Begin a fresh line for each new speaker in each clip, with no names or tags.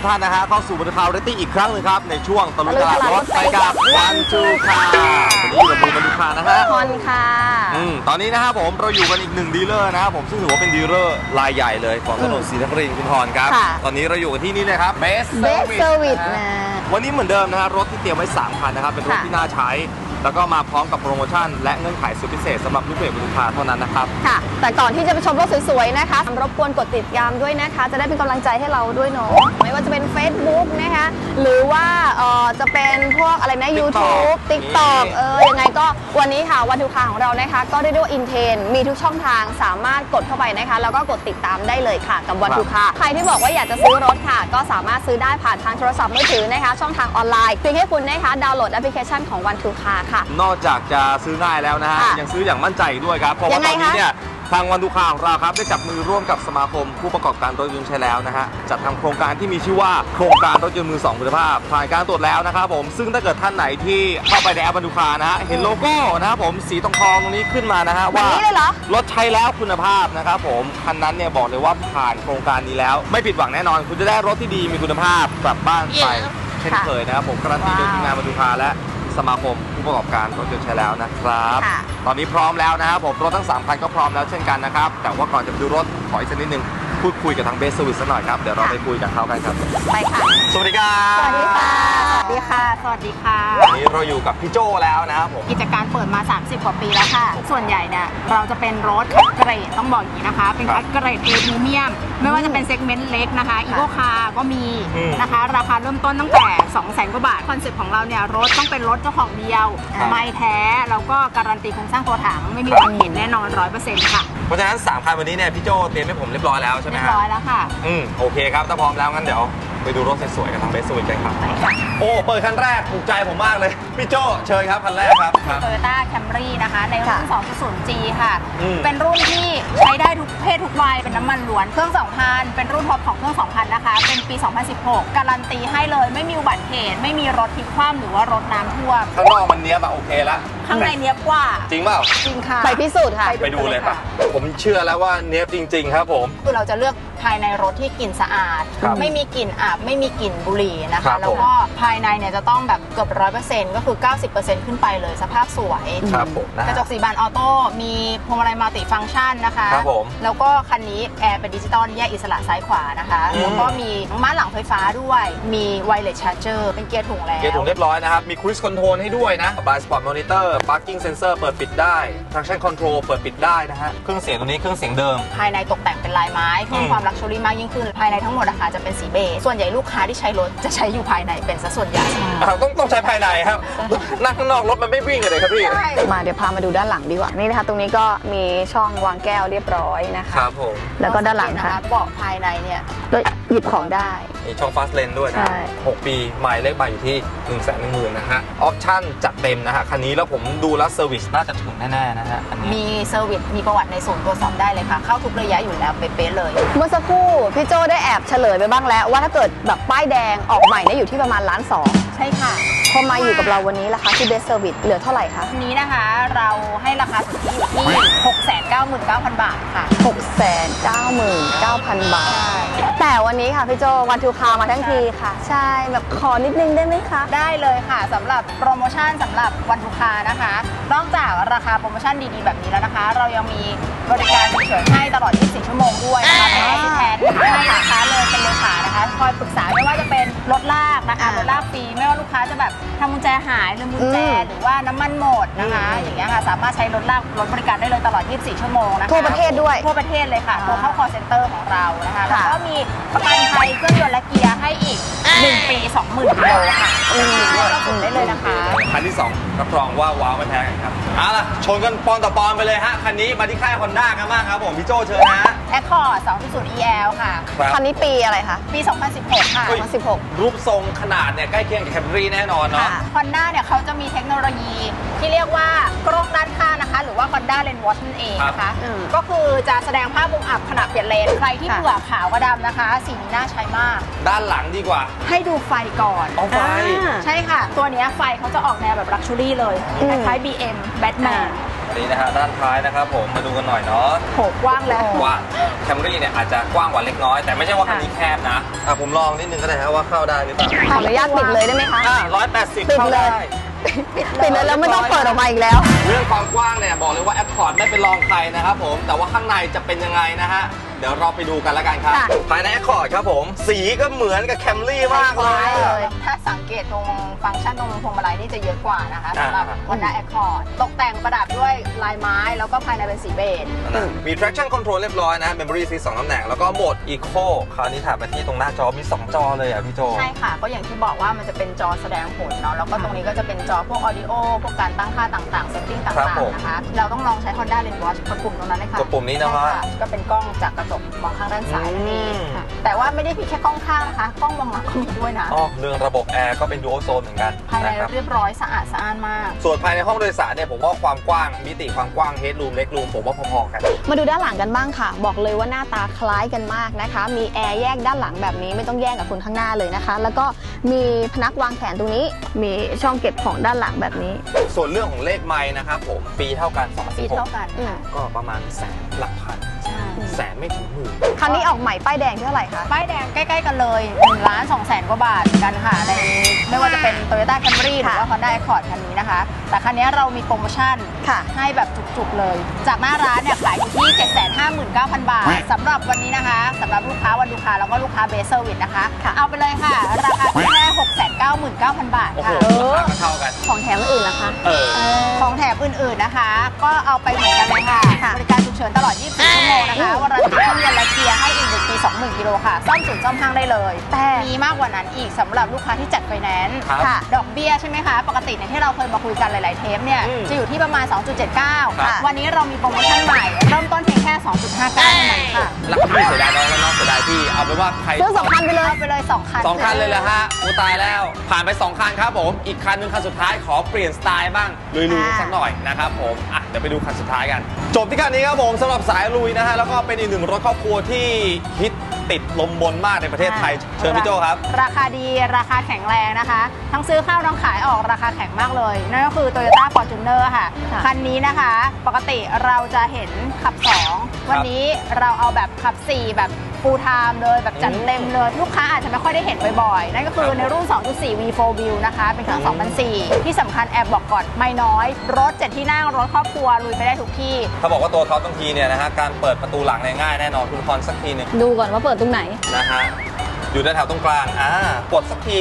กท่านนะฮะเข้าสู่บรรทาวเรตตี้อีกครั้งหนึ่งครับในช่วงตะลุยตลาดรถไปกับวันทูคาวันนี้อยู่กับผมบรรทุคานะฮะ
คอนค่ะ
ตอนนี้นะครับผมเราอยู่กันอีกหนึ่งดีลเลอร์นะครับผมซึ่งถือว่าเป็นดีลเลอร์รายใหญ่เลยของถนนศรีนครินทร์คุณพรครับตอนนี้เราอยู่กันที่นี่เลยครับ Best
Service นะ
วันนี้เหมือนเดิมนะฮะรถที่เตรียมไว้3คันนะครับเป็นรถที่น่าใช้แล้วก็มาพร้อมกับโปรโมชั่นและเงื่อนไขสุดพิเศษสำหรับลูกเพจบรรทุคาเท่านั้นนะครับ
ค่ะแต่ก่อนที่จะไปชมรถสวยๆนะคะรบกวนกดติดตามด้วยนะคะจะได้เป็นกำลังใจให้เราด้วยเนาะไม่ว่าจะเป็น Facebook นะคะหรือว่าจะเป็นพวกอะไรนะ YouTube TikTok ยังไงก็วันนี้ค่ะวันทูคาของเรานะคะก็ได้ด้วยอินเทนมีทุกช่องทางสามารถกดเข้าไปนะคะแล้วก็กดติดตามได้เลยค่ะกับวันทูคาใครที่บอกว่าอยากจะซื้อรถค่ะก็สามารถซื้อได้ผ่านทางโทรศัพท์มือถือนะคะช่องทางออนไลน์เพียงแค่คุณนะคะดาวน์โหลดแอปพลิเคชันของวันทูคาค่ะ
นอกจากจะซื้อง่ายแล้วนะฮะยังซื้ออย่างมั่นใจด้วยครับเพราะว่าตอนนี้เนี่ยทางวันทูคาของเราครับได้จับมือร่วมกับสมาคมผู้ประกอบการรถยนต์ใช้แล้วนะฮะจัดทำโครงการที่มีชื่อว่าโครงการรถยนต์มือ2คุณภาพผ่านการตรวจแล้วนะครับผมซึ่งถ้าเกิดท่านไหนที่เข้าไปในแอปวันทูคานะฮะเห็นโลโก้นะครับผมสีทองตรงนี้ขึ้นมานะฮะว่ารถใช้แล้วคุณภาพนะครับผมคันนั้นเนี่ยบอกเลยว่าผ่านโครงการนี้แล้วไม่ผิดหวังแน่นอนคุณจะได้รถที่ดีมีคุณภาพกลับบ้านไปเช่นเคยนะครับผมการันตีโดยทีมงานวันทูคาและสมาคมผู้ประกอบการรถยนต์ใช้แล้วนะครับตอนนี้พร้อมแล้วนะครับผมรถทั้ง3คันก็พร้อมแล้วเช่นกันนะครับแต่ว่าก่อนจะไปดูรถขออีกสักนิดนึงพูดคุยกับทางเบสเซอร์วิสสักหน่อยครับเดี๋ยวเราไปคุยกับเขากันครับ
ไปค่ะ
สวัสดีครับ
สวัสดีค่ะสวัสดีค่ะ
สวัสดีค่ะ
วันนี้เราอยู่กับพี่โจแล้วนะครับผม
กิจการเปิดมา30กว่าปีแล้วค่ะส่วนใหญ่เนี่ยเราจะเป็นรถคัดเกรดต้องบอกอย่างนี้นะคะเป็นคัดเกรด A พรีเมียมไม่ว่าจะเป็นเซกเมนต์เล็กนะคะอีโคคาร์ก็มีนะคะราคาเริ่มต้นตั้งแต่ 200,000 กว่าบาทคอนเซ็ปต์ของเราเนี่ยรถต้องเป็นรถเจ้าของเดียวไม่แท้แล้วก็การันตีโครงสร้างตัวถังไม่มีอุบัติเหตุแน่นอน 100% ค่ะ
เพราะฉะนั้น3คันวันนี้เนี่ยพี่โจเตรียมให้ผมเรียบร้อยแล้วใช่ไหมครับ
เรียบร้อยแล้วค่ะ
โอเคครับถ้าพร้อมแล้วงั้นเดี๋ยวไปดูรถสวยๆกันทางเบสสวิตกันครับโอ้เปิดคันแรกถูกใจผมมากเลยพี่โจเชิญครับคันแรกครับ
Toyota Camry นะคะในรุ่น 2.0G ค่ะเป็นรุ่นที่ใช้ได้ทุกเพศทุกวัยเป็นน้ำมันล้วนเครื่อง 2,000 เป็นรุ่นท็อปของเครื่อง 2,000 นะคะเป็นปี 2016 การันตีให้เลยไม่มีอุบัติเหตุไม่มีรถพลิกคว่ำหรือว่ารถน้ำท่วม
ข้างนอกมันเนี้ยแบบโอเคแล้ว
ข้างในเนี้ยกว่า
จริงเปล่า
จริงค่ะ
ไปพิสูจน์ค่ะ
ไปดูเลยค่ะผมเชื่อแล้วว่าเนี้ยจริงๆครับผม
คือเราจะเลือกภายในรถที่กลิ่นสะอาดไม่มีกลิ่นอับไม่มีกลิ่นบุหรี่นะคะแล้วก็ภายในเนี่ยจะต้องแบบเกือบ 100% ก็คือ 90% ขึ้นไปเลยสภาพสวยกระจกสีบานออโต้มีพวงมาลัยมัลติฟังก์ชันนะคะแล้วก็คันนี้แอร์เป็นดิจิตอลแยกอิสระซ้ายขวานะคะแล้วก็มีม่านหลังไฟฟ้าด้วยมีไวเลสชาร์จเจอร์เป็นเกียร์ถุงแล้ว
เกียร์ถุงเรียบร้อยนะครับมีครูซคอนโทรลให้ด้วยนะบายสปอร์ตมอนิเตอร์พาร์กิ้งเซนเซอร์เปิดปิดได้ traction control เปิดปิดได้นะฮะเครื่องเสียงตัวนี้เครื่องเสียงเดิม
ภายในตกแต่งเป็นลายไม้เพิ่มความลักชัวรี่มากยิ่งขึ้นภายในทั้งหมดนะคะจะเป็นสีเบจส่วนใหญ่ลูกค้าที่ใช้รถจะใช้อยู่ภายในเป็นซะส่วนใหญ่
ต้องใช้ภายในครับนั่งข้างนอกรถมันไม่วิ่งเลยครับพี่
มาเดี๋ยวพามาดูด้านหลังดีกว่านี่นะคะตรงนี้ก็มีช่องวางแก้วเรียบร้อยนะคะ
ครับผม
แล้วก็ด้านหลังค่ะ
เบาะภายในเนี่ย
ก็หยิบของได้
มีช่องฟาสเลนด้วยนะ6 ปีหมายเลขใบอยู่ที่ 110,000 นะฮะออปชั่นจัดเต็มนะฮะคันนี้แล้วผมดูแล้วเซอร์วิสน่าจะถึงแน่ๆนะฮะอันนี้
มีเซอร์วิสมีประวัติในศูนย์ตรวจสอบได้เลยค่ะเข้าทุกระยะอยู่แล้วเป๊ะๆเลย
เมื่อสักครู่พี่โจได้แอบเฉลยไปบ้างแล้วว่าถ้าเกิดแบบป้ายแดงออกใหม่เนี่ยอยู่ที่ประมาณ1.2 ล้าน
ใช่ค่ะ
พอมาอยู่กับเราวันนี้ราคาที่เบสเซอร์วิสเหลือเท่าไหร่คะ
วันนี้นะคะเราให้ราคาสุทธิอยู่ที่ 699,000 บาทค่ะ
699,000 บาทแต่วันนี้ค่ะพี่โจวันทูคามาทั้งทีค่ะใช่แบบขอนิดนึงได้ไหมคะ
ได้เลยค่ะสำหรับโปรโมชั่นสำหรับวันทูคานะคะนอกจากราคาโปรโมชั่นดีๆแบบนี้แล้วนะคะเรายังมีบริการฉุกเฉินให้ตลอด24 ชั่วโมงด้วยนะคะเป็นแอสซิสแทนให้นะคะเลยเป็นเลขานะคะคอยปรึกษาไม่ว่าจะเป็นรถลากนะคะรถลากฟรีไม่ว่าลูกค้าจะแบบทำกุญแจหายลืมกุญแจหรือว่าน้ำมันหมดนะคะอย่างเงี้ยค่ะสามารถใช้รถลากรถบริการได้เลยตลอด24 ชั่วโมงนะคะ
ทั่วประเทศด้วย
ทั่วประเทศเลยค่ะโทรเข้า call center ของเรานะคะแล้วก็มีประกันภัยเครื่องยนต์และเกียร์ให้อีก1 ปี 20,000 กิโลค่ะก็สุ่มได้เลยนะคะ
คันที่2รับรองว่าว้าวไม่แพ้กันครับเอาล่ะชนกันปอนต่อปอนไปเลยฮะคันนี้มาที่ค่ายฮอนด้ากันบ้างครับผมพี่โจเชิญนะ
Accord 2.0 EL ค่ะ
คันนี้ปีอะไรคะ
ปี 2016 ค่ะ
2016
รูปทรงขนาดเนี่ยใกล้เคียงกับ Camry แน่นอนเนาะ
Honda เนี่ยเขาจะมีเทคโนโลยีที่เรียกว่ากล้องด้านข้างนะคะหรือว่า Honda Lane Watch นั่นเองนะคะก็คือจะแสดงภาพมุมอับขณะเปลี่ยนเลนใครที่เบื่อขาวกับดำนะคะสีนี้น่าใช้มาก
ด้านหลังดีกว่า
ให้ดูไฟก่อน
เอาไฟ
ใช่ค่ะตัวนี้ไฟเขาจะออกแนวแบบลักชัวรี่เลยคล้ายๆ BM Batman
นี่นะฮะด้านท้ายนะครับผมมาดูกันหน่อยเนาะ
โหกว้างแล้ว
ว่าแคมรี่เนี่ยอาจจะกว้างกว่าเล็กน้อยแต่ไม่ใช่ว่าคันนี้แคบนะผมลองนิดนึงก็ได้ฮะว่าเข้าได้หรือเปล่า
ขออนุญาตปิดเลยได้ไหมคะ
180
ปิด
เข้า
เล
ได้
ย ปิดเลยแล้วไม่ต้องเปิดออกมาอีกแล้ว
เรื่องความกว้างเนี่ยบอกเลยว่าแอคคอร์ดไม่เป็นรองใครนะครับผมแต่ว่าข้างในจะเป็นยังไงนะฮะเดี๋ยวเราไปดูกันแล้วกันครับ
ค่ะ
ภายในแอคคอร์ดครับผมสีก็เหมือนกับแคมรี่มากเลย
เลย
ถ้าสังเกตตรงฟังก์ชันตรงพวงมาลัยนี่จะเยอะกว่านะคะสำหรับ Honda
อ่า
Accord ตกแต่งประดับด้วยลายไม้แล้วก็ภายในเป็นสีเบจ
มี traction control เรียบร้อยนะ memory seat 2ตำแหน่งแล้วก็โหมด eco คราวนี้ถ่ายไปที่ตรงหน้าจอมี 2 จอเลยอ่ะพี่โจ
ใช่ค่ะ ก็อย่างที่บอกว่ามันจะเป็นจอแสดงผลเนาะแล้วก็ตรงนี้ก็จะเป็นจอพวก audio พวกการตั้งค่าต่างๆ setting ต่
ครับ
าง
ผม
ๆนะคะ เราต้องลองใช้ Honda Lens Watch กดปุ่มตรงนั้นเลยค่ะ
กดปุ่มนี้นะฮะ
ใช่ก็เป็นกล้องจากกระจกมองข้างด้านซ้ายนั่นเอง
อืม
ค่ะแต่ว่าไม่ได้มีแค่กล้องข้างนะคะ กล้องมองหลังก็มีด้วยนะ
เรื่องระบบแอร์ก็เป็น dual zone เหมือนกัน
ภายใน
นะครับ
เรียบร้อยสะอาดสะอ้านมาก
ส่วนภายในห้องโดยสารเนี่ยผมว่าความกว้างมิติความกว้าง headroom legroom ผมว่าพอๆกัน
มาดูด้านหลังกันบ้างค่ะ บอกเลยว่าหน้าตาคล้ายกันมากนะคะ มีแอร์แยกด้านหลังแบบนี้ไม่ต้องแย่งกับคนข้างหน้าเลยนะคะ แล้วก็มีพนักวางแขนตรงนี้ มีช่องเก็บของด้านหลังแบบนี้
ส่วนเรื่องของเลขไมล์นะครับผมปีเท่ากัน
ปีเท่ากัน
อืม
ก็ประมาณแสนหลักพัน
ใช่
แสนไม่ถึงหมื่น
คันนี้ออกใหม่ป้ายแดงเท่าไหร่คะ
ป้ายแดงใกล้ๆกันเลย1 ล้าน2แสนกว่าบาทเหมือนกันค่ะในไม่ว่าจะเป็น Toyota Camry หรือว่า Honda Accord คันนี้นะคะ แต่คันนี้เรามีโปรโมชั่น
ค่ะ
ให้แบบจุกๆเลย จากหน้าร้านเนี่ยขายอยู่ที่ 759,000 บาทสำหรับวันนี้นะคะสำหรับลูกค้าวันลูกค้าแล้วก็ลูกค้าเบสเซอร์วิสนะคะ
ค่ะ
เอาไปเลยค่ะ ราคาแค่ 699,000 บาท
โอ้โห
ค่ะ
ราคาก็เท่ากัน
ของแถมอื่นล่ะคะ
ของแถมอื่นๆนะคะ ก็เอาไปเหมือนกันเลยค่ะ
ค่ะ
บริการฉุกเฉินตลอด 24 ชั่วโมงนะคะวารันตีเครื่องยนต์และเกียร์ให้อีก1 ปี 20,000 กิโลค่ะ ซ่อมศูนย์ซ่อมห้างได้เลย
แต่
มีมากกว่านั้นอีกสำหรับลูกค้าที่จัดไฟแนนซ์
ครับ
ค่ะ ดอกเบี้ยใช่ไหมคะ ปกติเนี่ยที่เราเคยมาคุยกันหลายๆเทปเนี่ย
อืม
จะอยู่ที่ประมาณ 2.79
ครับ
วันนี้เรามีโปรโมชั่นใหม่ เริ่มต้นเพียงแค่ 2.59 เท่านั้นค่ะ
รักพี่เสียดายน้องและน้องเสียดายพี่เอาเป็นว่าใคร
ซื้อ2 คันไปเลย
เอาไปเลย 2 คัน
2 คันเลยเหรอฮะอูตายแล้ว ผ่านไป 2 คันครับผม อีกคันหนึงคันสุดท้ายขอเปลี่ยนสไตล์บ้างลุยๆสักหน่อยนะครับผมเดี๋ยวไปดูคันสุดท้ายกัน จบที่คันนี้ครับผมสำหรับสายลุยนะฮะแล้วก็เป็นอีกหนึ่งรถครอบครัวที่ฮิตติดลมบนมากในประเทศไทยเชิญพี่โจครับ
ราคาดีราคาแข็งแรงนะคะ ทั้งซื้อเข้าทั้งขายออกราคาแข็งมากเลย นั่นก็คือ Toyota Fortuner ค่ะ
ค่ะ
คันนี้นะคะ ปกติเราจะเห็นขับ 2 วันนี้เราเอาแบบขับ 4 แบบ full time เลยแบบจัดเต็มเลย ลูกค้าอาจจะไม่ค่อยได้เห็นบ่อยๆ นั่นก็คือในรุ่น 2.4 V4 View นะคะ เป็นเครื่อง 2004 ที่สำคัญแอบบอกก่อนไม่น้อย รถ 7 ที่นั่งรถครอบครัวลุยไปได้ทุกที่
เขาบอกว่าตัวท็อปบางทีเนี่ยนะฮะการเปิดประตูหลังเนี่ยง่ายแน่นอนคุณพรสักทีหนึง
ดูก่อนว่าเปิดตรงไหน
นะฮะอยู่แถวๆตรงกลางกดสักที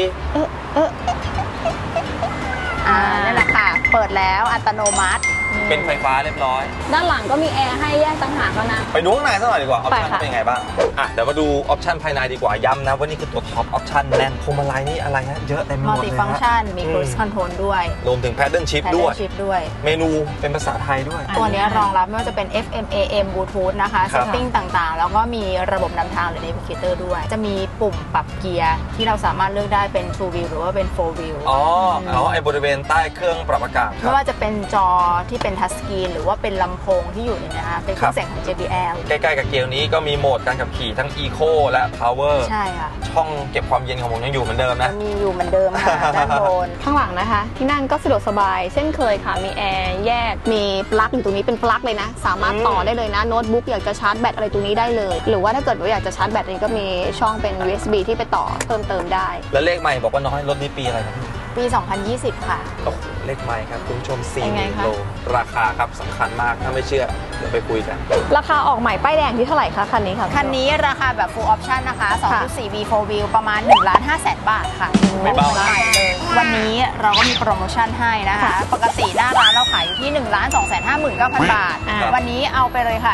นี่แหละค่ะ เปิดแล้วอัตโนมัติ
เป็นไฟฟ้าเรียบร้อย
ด้านหลังก็มีแอร์ให้แยกต่างหากแล้วนะ
ไปดูข้างในสักหน่อยดีกว่าออป
ไป
ชั่น
ค่ะ
เป็นยังไงบ้างเดี๋ยวมาดูออปชั่นภายในดีกว่าย้ำนะว่านี่คือตัวท็อปออปชั่นแน่นพวงมาลัยนี่อะไรฮะเยอะเต็มไปหม
มัล
ดเล
ติ
ย
ฟังก์ชันมี cruise
ฮะ
control ด้วย
รวมถึง paddle shift ด้วย
ชิปด้วย
เมนูเป็นภาษาไทยด้วย
ตัวนี้รองรับไม่ว่าจะเป็น FM AM Bluetooth นะคะ
ครับ
setting ต่างๆ แล้วก็มีระบบนำทางหรือ navigator ด้วย จะมีปุ่มปรับเกียร์ที่เราสามารถเลือกได้เป็น 2 wheel หรือว่าเป็น 4 wheel
ไอ้บริเวณใต้เครื่องปรับอากาศค
ไม่
รับ
ว่าจะเป็นจอที่เป็น touch screen หรือว่าเป็นลำโพงที่อยู่เนี่ยนะคะเป็นเครื่องเสียงของ JBL
ใกล้ๆกับเกียร์นี้ก็มีโหมดการขับขี่ทั้ง Eco และ Power
ใช่ค่ะ
ช่องเก็บความเย็นของผมยังอยู่เหมือนเดิมนะ
มีอยู่เหมือนเดิมค่ะ ด้านบน
ข้างหลังนะคะ ที่นั่งก็สะดวกสบาย เช่นเคยค่ะ มีแอร์แยก มีปลั๊กอยู่ตรงนี้เป็นปลั๊กเลยนะ สามารถต่อได้เลยนะ โน้ตบุ๊กอยากจะชาร์จแบตอะไรตรงนี้ได้เลย หรือว่าถ้าเกิดว่าอยากจะชาร์จแบตนี้ก็มีช่องเป็น USB ที่ไปต่อเพิ่มเติมได้
แล้วเลขใหม่บอกว่าน้อยรถนี้ปีอะไรครับ
ปี 2020 ค่ะ
โอ้โหเลขใหม่ครับคุณผู้ชม
เป็นไง
4
คะ
โลราคาครับสำคัญมากถ้าไม่เชื่อเดี๋ยวไปคุยกัน
ราคาออกใหม่ป้ายแดงที่เท่าไหร่คะคันนี้ค่ะ
คันนี้ราคาแบบ full option นะคะ 2.4 V4 View ประมาณ 1,500,000 บาทค่ะ
ไม่เบานะ
ใหม่เลย วันนี้เราก็มีโปรโมชั่นให้นะคะ ปกติหน้าร้านเราขายอยู่ที่ 1,259,000 บาท วันนี้เอาไปเลยค่ะ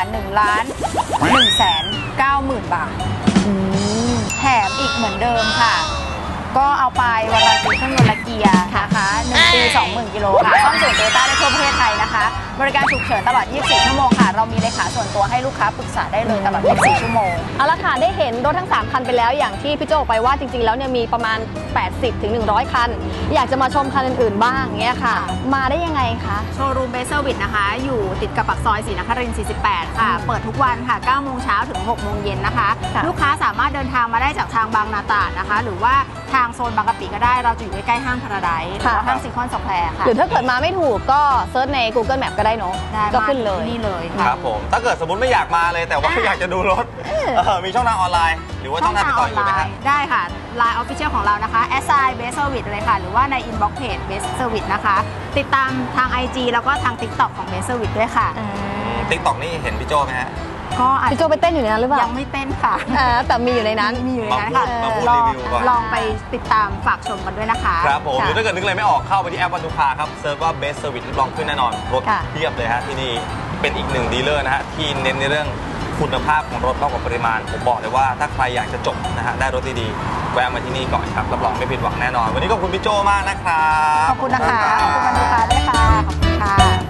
1,190,000 บาท แถมอีกเหมือนเดิมค่ะ ก็เอาไปวารันตีเครื่องยนต์และเกียร์นะคะ1 ปี 20,000 กิโลค่ะซ่อมศูนย์โตโยต้าได้ทั่วประเทศไทยนะคะ บริการฉุกเฉินตลอด 24 ชั่วโมงค่ะ เรามีเลขาส่วนตัวให้ลูกค้าปรึกษาได้เลยตลอด 24 ชั่วโมง
เอาละค่ะได้เห็นรถทั้ง 3 คันไปแล้วอย่างที่พี่โจบอกไปว่าจริงๆแล้วเนี่ยมีประมาณ 80 ถึง 100 คัน อยากจะมาชมคันอื่นๆบ้างเงี้ยค่ะ มาได้ยังไงคะ
โชว์รูมเบสเซอร์วิสนะคะ อยู่ติดกับปากซอยศรีนครินทร์ 48 ค่ะ เปิดทุกวันค่ะ 9 โมงเช้าถึง 6 โมงเย็นนะคะ
ค่ะ
ลูกค้าสามารถเดินทางมาได้จากทางบางนาตราดนะคะ หรือว่าทางโซนบางกะปิก็ได้เราจะอยู่ใกล้ๆห้างพาราไดซ์หรือว่าห้างซีคอนสแควร์ค่ะ
หรือถ้าเกิดมาไม่ถูกก็เซิร์ชใน Google Map ก็ได้เนาะ
ได้
ก็ขึ้นเลย
มาที่นี่เลย
ค
ค่ะ
รับผมถ้าเกิดสมมติไม่อยากมาเลยแต่ว่าอยากจะดูรถมีช่องทางออนไลน์ หรือว่าช่องทางติดต่ออยู่ไหมครับ
ได้ค่ะ Line Official ของเรานะคะ @best service เลยค่ะ หรือว่าใน inbox page best service นะคะ ติดตามทาง IG แล้วก็ทาง TikTok ของ best service ด้วยค่ะ
ติ๊กต็อกนี่เห็นพี่โจไหมฮะ
ก็อาจ
พี่โจไปเต้นอยู่ในนั้นหรือเปล่า
ยังไม่เต้นค่ะ
แต่มีอยู่ในนั้น
มีอยู่ในนั้นค่ะ
มาพูด
ล
รี
อง
วิวก่อน
ลองไปติดตามฝากชมกันด้วยนะคะ
ครับผม
ค่ะ
หรือถ้าเกิดนึกอะไรไม่ออกเข้าไปที่แอปวันทุกคาครับเซิร์ชว่า best service ลองขึ้นแน่นอนรถ
ค่ะ
เทียบเลยฮะที่นี่เป็นอีกหนึ่งดีลเลอร์นะฮะที่เน้นในเรื่องคุณภาพของรถมากกว่าปริมาณผมบอกเลยว่าถ้าใครอยากจะจบนะฮะได้รถดีๆแวะมาที่นี่ก่อนครับรับรองไม่ผิดหวังแน่นอน วันนี้ขอบคุณพี่โจมากนะครับ
ขอบคุณนะคะ ขอบคุณบรรทุกค้าด้วยค่ะ ขอบคุณค่ะ